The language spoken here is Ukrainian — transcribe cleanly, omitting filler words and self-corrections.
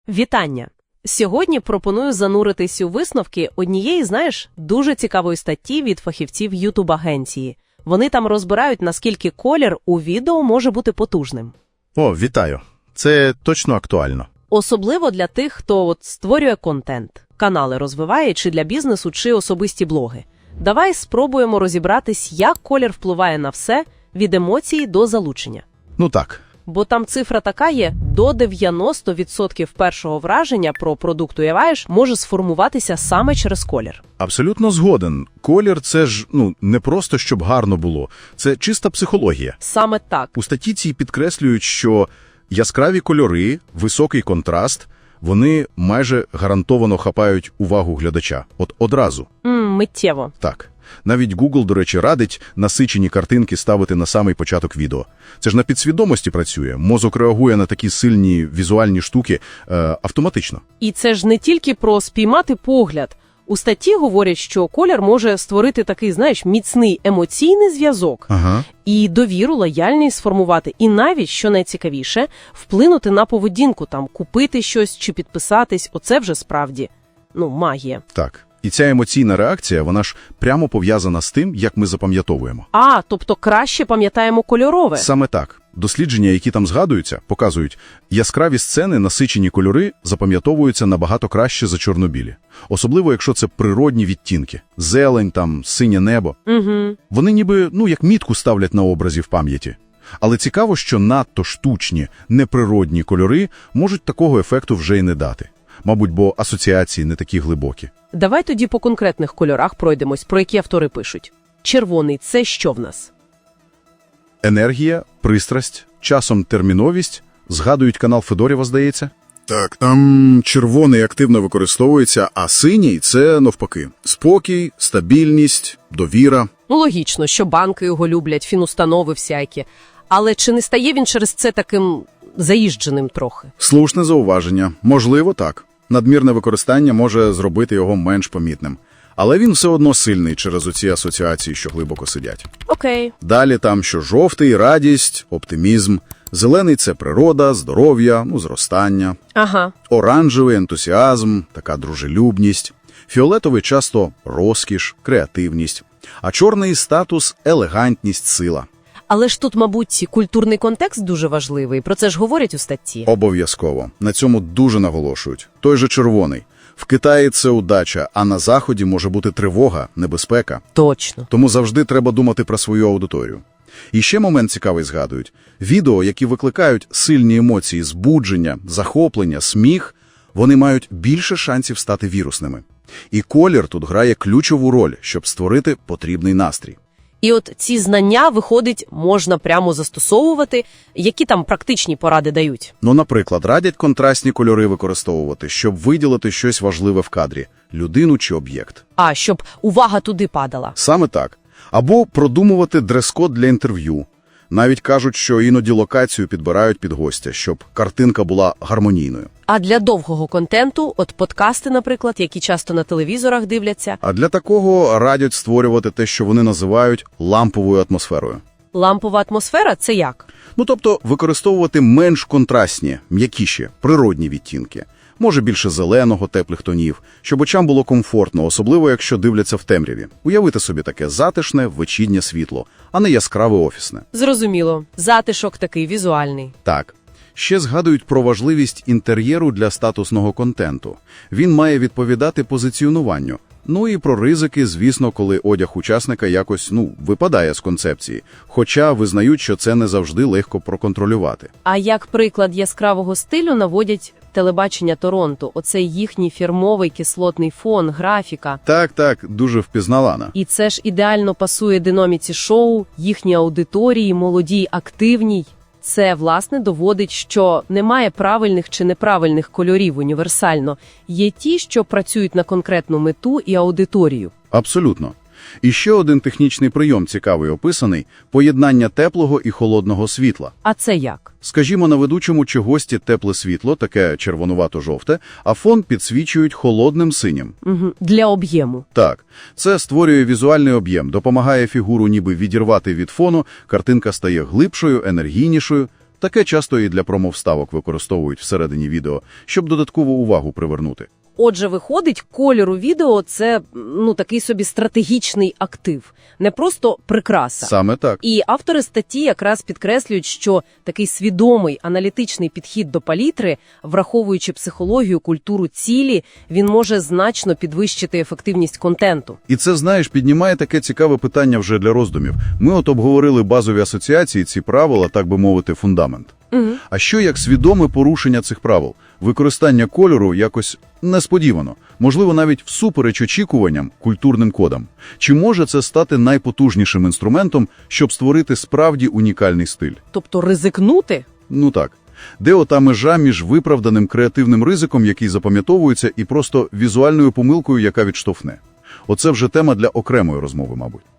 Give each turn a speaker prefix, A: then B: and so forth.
A: Вітання! Сьогодні пропоную зануритись у висновки однієї, дуже цікавої статті від фахівців YouTube-агенції. Вони там розбирають, наскільки колір у відео може бути потужним.
B: О, вітаю. Це точно актуально.
A: Особливо для тих, хто створює контент, канали розвиває, чи для бізнесу, чи особисті блоги. Давай спробуємо розібратись, як колір впливає на все, від емоцій до залучення.
B: Ну так.
A: Бо там цифра така є, до 90% першого враження про продукт, уявляєш, може сформуватися саме через колір.
B: Абсолютно згоден. Колір – це ж, не просто, щоб гарно було. Це чиста психологія.
A: Саме так.
B: У статті цій підкреслюють, що яскраві кольори, високий контраст, вони майже гарантовано хапають увагу глядача. Одразу.
A: Миттєво.
B: Так. Навіть Google, до речі, радить насичені картинки ставити на самий початок відео. Це ж на підсвідомості працює. Мозок реагує на такі сильні візуальні штуки автоматично.
A: І це ж не тільки про спіймати погляд. У статті говорять, що колір може створити такий, міцний емоційний зв'язок.
B: Ага.
A: І довіру, лояльність сформувати. І навіть, що найцікавіше, вплинути на поведінку, купити щось чи підписатись. Оце вже справді, магія.
B: Так. І ця емоційна реакція, вона ж прямо пов'язана з тим, як ми запам'ятовуємо.
A: Тобто краще пам'ятаємо кольорове?
B: Саме так. Дослідження, які там згадуються, показують, яскраві сцени, насичені кольори запам'ятовуються набагато краще за чорнобілі. Особливо, якщо це природні відтінки. Зелень, синє небо.
A: Угу.
B: Вони ніби, як мітку ставлять на образі в пам'яті. Але цікаво, що надто штучні, неприродні кольори можуть такого ефекту вже й не дати. Мабуть, бо асоціації не такі глибокі.
A: Давай тоді по конкретних кольорах пройдемось, про які автори пишуть. Червоний – це що в нас?
B: Енергія, пристрасть, часом терміновість. Згадують канал Федорєва, здається? Так, там червоний активно використовується, а синій – це навпаки. Спокій, стабільність, довіра.
A: Логічно, що банки його люблять, фінустанови всякі. Але чи не стає він через це таким заїждженим трохи?
B: Слушне зауваження. Можливо, так. Надмірне використання може зробити його менш помітним. Але він все одно сильний через оці асоціації, що глибоко сидять.
A: Окей.
B: Далі там, що жовтий – радість, оптимізм. Зелений – це природа, здоров'я, зростання.
A: Ага.
B: Оранжевий – ентузіазм, така дружелюбність. Фіолетовий – часто розкіш, креативність. А чорний – статус, елегантність, сила.
A: Але ж тут, мабуть, культурний контекст дуже важливий. Про це ж говорять у статті.
B: Обов'язково. На цьому дуже наголошують. Той же червоний. В Китаї це удача, а на Заході може бути тривога, небезпека.
A: Точно.
B: Тому завжди треба думати про свою аудиторію. І ще момент цікавий згадують. Відео, які викликають сильні емоції, збудження, захоплення, сміх, вони мають більше шансів стати вірусними. І колір тут грає ключову роль, щоб створити потрібний настрій.
A: І ці знання, виходить, можна прямо застосовувати. Які там практичні поради дають?
B: Наприклад, радять контрастні кольори використовувати, щоб виділити щось важливе в кадрі – людину чи об'єкт.
A: Щоб увага туди падала.
B: Саме так. Або продумувати дрес-код для інтерв'ю. Навіть кажуть, що іноді локацію підбирають під гостя, щоб картинка була гармонійною.
A: А для довгого контенту, подкасти, наприклад, які часто на телевізорах дивляться.
B: А для такого радять створювати те, що вони називають ламповою атмосферою.
A: Лампова атмосфера – це як?
B: Тобто використовувати менш контрастні, м'якіші, природні відтінки. Може більше зеленого, теплих тонів, щоб очам було комфортно, особливо якщо дивляться в темряві. Уявити собі таке затишне, вечірнє світло, а не яскраве офісне.
A: Зрозуміло. Затишок такий візуальний.
B: Так. Ще згадують про важливість інтер'єру для статусного контенту. Він має відповідати позиціонуванню. І про ризики, звісно, коли одяг учасника якось, випадає з концепції. Хоча визнають, що це не завжди легко проконтролювати.
A: А як приклад яскравого стилю наводять телебачення Торонто. Оцей їхній фірмовий кислотний фон, графіка.
B: Так, дуже впізнавана.
A: І це ж ідеально пасує динаміці шоу, їхній аудиторії, молодій, активній. Це, власне, доводить, що немає правильних чи неправильних кольорів універсально. Є ті, що працюють на конкретну мету і аудиторію.
B: Абсолютно. І ще один технічний прийом цікавий описаний – поєднання теплого і холодного світла.
A: А це як?
B: Скажімо, на ведучому чи гості тепле світло, таке червонувато-жовте, а фон підсвічують холодним синім.
A: Угу. Для об'єму.
B: Так. Це створює візуальний об'єм, допомагає фігуру ніби відірвати від фону, картинка стає глибшою, енергійнішою. Таке часто і для промовставок використовують всередині відео, щоб додаткову увагу привернути.
A: Отже, виходить, колір у відео – це, такий собі стратегічний актив, не просто прикраса.
B: Саме так.
A: І автори статті якраз підкреслюють, що такий свідомий аналітичний підхід до палітри, враховуючи психологію, культуру цілі, він може значно підвищити ефективність контенту.
B: І це, знаєш, піднімає таке цікаве питання вже для роздумів. Ми от обговорили базові асоціації, ці правила, так би мовити, фундамент. А що як свідоме порушення цих правил? Використання кольору якось несподівано, можливо, навіть всупереч очікуванням, культурним кодам. Чи може це стати найпотужнішим інструментом, щоб створити справді унікальний стиль?
A: Тобто ризикнути?
B: Ну так. Де ота межа між виправданим креативним ризиком, який запам'ятовується, і просто візуальною помилкою, яка відштовхне? Оце вже тема для окремої розмови, мабуть.